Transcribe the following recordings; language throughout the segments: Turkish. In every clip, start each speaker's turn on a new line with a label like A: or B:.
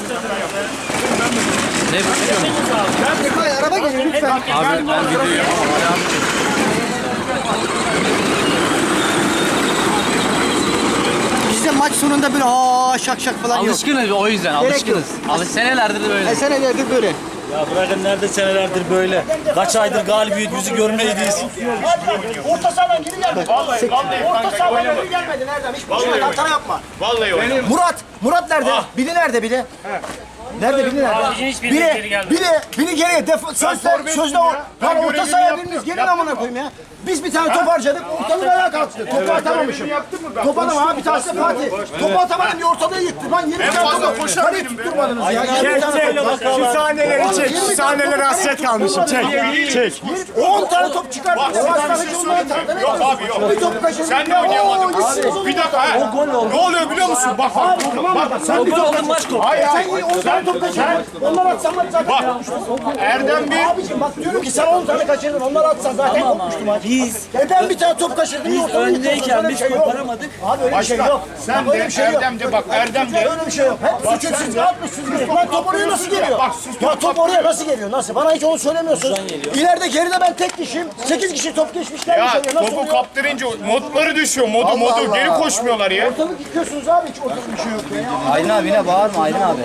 A: Ne bu?
B: Araba geliyor lütfen.
A: Abi ben video yapamam.
B: Bizde maç sonunda böyle şak şak falan yok.
A: Alışkınız o yüzden alışkınız. Senelerdir de böyle.
B: Senelerdir böyle.
C: Ya bırakın nerede senelerdir böyle. Kaç aydır galibiyet yüzü görmeydiyiz.
B: Orta sahadan geri gelmedi. Orta sahadan geri gelmedi. Nereden? Hiç boşuna hata yapma.
D: Vallahi oynadım.
B: Murat nerede? Bili nerede Bili? Nerede Bili nerede? Bili geriye. Sözde o. Lan orta sahaya biriniz gelin amına koyayım ya. Biz bir tane top harcadık, ortalığı ayağa kalktı. Topu atamamışım. Topu atamadım ha, bir tanesi Fatih. Topu atamadım diye ortalığı yıktı. Lan 20 tane topu kaleyi tutturmadınız ya.
E: Şu sahneleri çek, şu sahnelere hasret kalmışım. Çek.
B: 10 tane top çıkarttı. O hastalık onları tanıdı.
D: Yok abi yok.
B: Bir top kaçırdı.
D: Sen de oynayamadın. Bir dakika ha. Ne oluyor biliyor musun? Bak bak.
B: Sen bir top kaçırdın.
D: Hayır
B: Sen
D: hayır.
B: 10 tane top kaçırdın. Onlar atsan maç zaten kopmuştu.
D: Erdem bir.
B: Abiciğim bak diyorum ki sen 10 tane kaçırdın. Onlar atsan zaten kopmuştu maç. Ben bir tane top kaçırdım. Biz
C: öndeyken biz koparamadık.
B: Abi öyle bir şey yok.
D: Sen de Erdem de bak Erdem de.
B: Öyle bir şey yok. Hep suçsuz atmışsınız. Lan top oraya nasıl geliyor? Ya top oraya nasıl geliyor? Nasıl? Bana hiç onu söylemiyorsunuz. İleride geride ben tek kişiyim. 8 kişi top geçmişler.
D: Ya
B: Nasıl
D: topu
B: oluyor?
D: kaptırınca modları düşüyor. Modu geri koşmuyorlar ya.
B: Ortalık yıkıyorsunuz abi, hiç ortalık bir şey yok ya.
C: Aydın abi yine bağırma Aydın abi.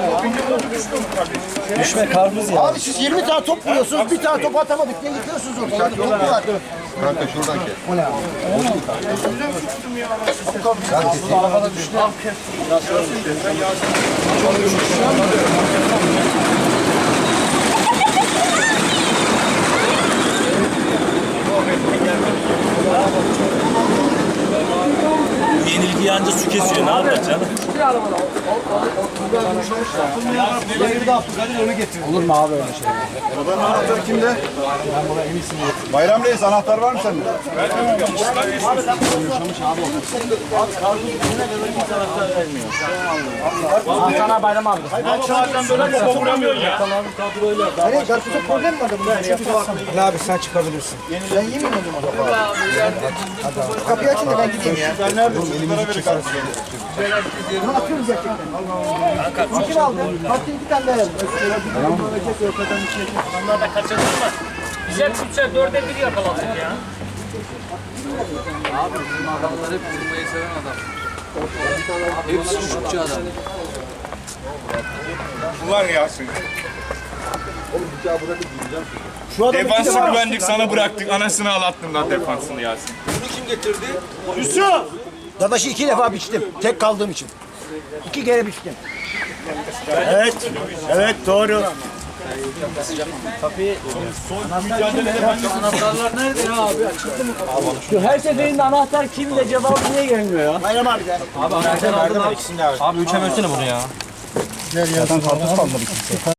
C: Düşme karpuz ya.
B: Abi siz 20 tane top vuruyorsunuz, bir tane top atamadık diye yıkıyorsunuz ortalığı. Top var.
F: Kanka şuradan gel.
C: Yenilgi yanca su kesiyor. Ne yapacak canım?
F: Arabanın anahtarı kimde? Bayram Reis anahtar var mı sende?
C: Sana Bayram abi.
D: Bazen böyle topa vuramıyorsun ya.
B: Nereye? Karpuzda problem mi var bunun?
E: Ali abi sen çıkabilirsin.
B: Ben yemeyeyim o zaman. Kapıyı açın da ben gideyim ya.
F: Sen neredesin? Bunlara verin kardeşim.
B: Bunu atıyoruz gerçekten. Fikir aldım. Parti 2 tane daha yazdım.
G: Onlar da kaçırdı ama bize tutsa dörde bir yakaladık ya.
A: Abi bizim adamlar hep vurmayı seven adam. Hepsi şutçu adam.
D: Ulan Yasin.
B: Şu adam
D: Defansı
B: iki de var.
D: güvendik sana bıraktık. Anasını ağlattın lan defansını Yasin.
B: Yusuf! Dadaşı 2 defa biçtim. Tek kaldığım için. 2 kere biçtim.
E: Evet doğru.
A: Anahtarlar nerede ya abi? Açıldı mı?
C: Her seferinde anahtar kimde cevabı niye gelmiyor ya?
B: Bayram abi de.
A: Abi anahtar aldım abi. Abi 3'e bölsene bunu ya.
F: Zaten karpuz kalmadı kimse.